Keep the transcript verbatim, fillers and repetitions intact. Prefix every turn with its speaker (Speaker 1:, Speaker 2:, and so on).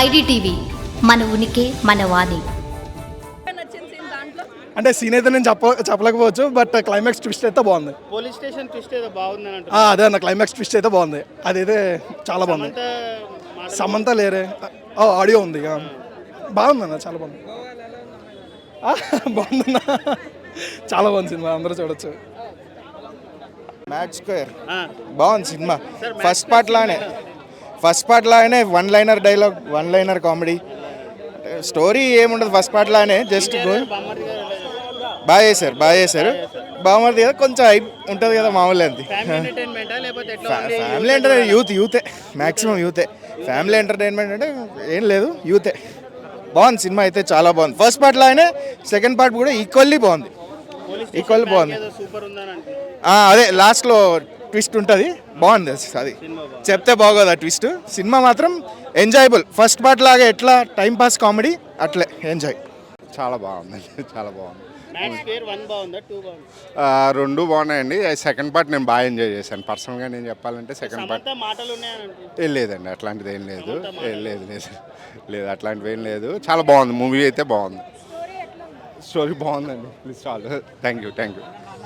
Speaker 1: IDTV మన ఉనికి మన వాణి.
Speaker 2: అంటే సీన్ అయితే నేను చెప్ప చెప్పలేకపోవచ్చు బట్ క్లైమాక్స్ ట్విస్ట్ అయితే బాగుంది.
Speaker 3: పోలీస్ స్టేషన్ ట్విస్ట్ ఏదో బాగుంది అని
Speaker 2: ఆ, అదే అన్న క్లైమాక్స్ ట్విస్ట్ అయితే బాగుంది. అదైతే చాలా బాగుంది. సమంత లేరే ఆడియో ఉంది ఇక. బాగుందన్న చాలా బాగుంది. ఆ, బాగుందన్న చాలా బాగుంది సినిమా, అందరూ చూడొచ్చు.
Speaker 4: మ్యాచ్ స్క్వేర్ బాగుంది సినిమా. ఫస్ట్ పార్ట్ లానే ఫస్ట్ పార్ట్ లానే one liner dialogue, one liner comedy, story ఏముండదు ఫస్ట్ పార్ట్ లానే. జస్ట్ బాగా చేశారు బాగా చేశారు బాగుంది కదా, కొంచెం హైప్ ఉంటుంది కదా మామూలు. అంతే ఫ్యామిలీ ఎంటర్టైన్ యూత్ యూతే మ్యాక్సిమం యూతే. ఫ్యామిలీ ఎంటర్టైన్మెంట్ అంటే ఏం లేదు, యూతే. బాగుంది సినిమా అయితే చాలా బాగుంది. ఫస్ట్ పార్ట్ లానే సెకండ్ పార్ట్ కూడా ఈక్వల్లీ బాగుంది, ఈక్వల్లీ బాగుంది. అదే లాస్ట్లో ట్విస్ట్ ఉంటుంది, బాగుంది అది. చెప్తే బాగోదు ఆ ట్విస్ట్. సినిమా మాత్రం ఎంజాయబుల్. ఫస్ట్ పార్ట్ లాగా ఎట్లా టైం పాస్ కామెడీ అట్లే ఎంజాయ్.
Speaker 5: చాలా బాగుందండి, చాలా బాగుంది.
Speaker 3: ఆ,
Speaker 5: రెండు బాగున్నాయండి. సెకండ్ పార్ట్ నేను బాగా ఎంజాయ్ చేశాను పర్సనల్గా. నేను చెప్పాలంటే సెకండ్ పార్ట్ ఏం లేదండి, అట్లాంటిది ఏం లేదు. ఏం లేదు లేదు లేదు అట్లాంటివి ఏం లేదు. చాలా బాగుంది మూవీ అయితే, బాగుంది. స్టోరీ బాగుందండి. ప్లీజ్ చాలు. Thank you thank you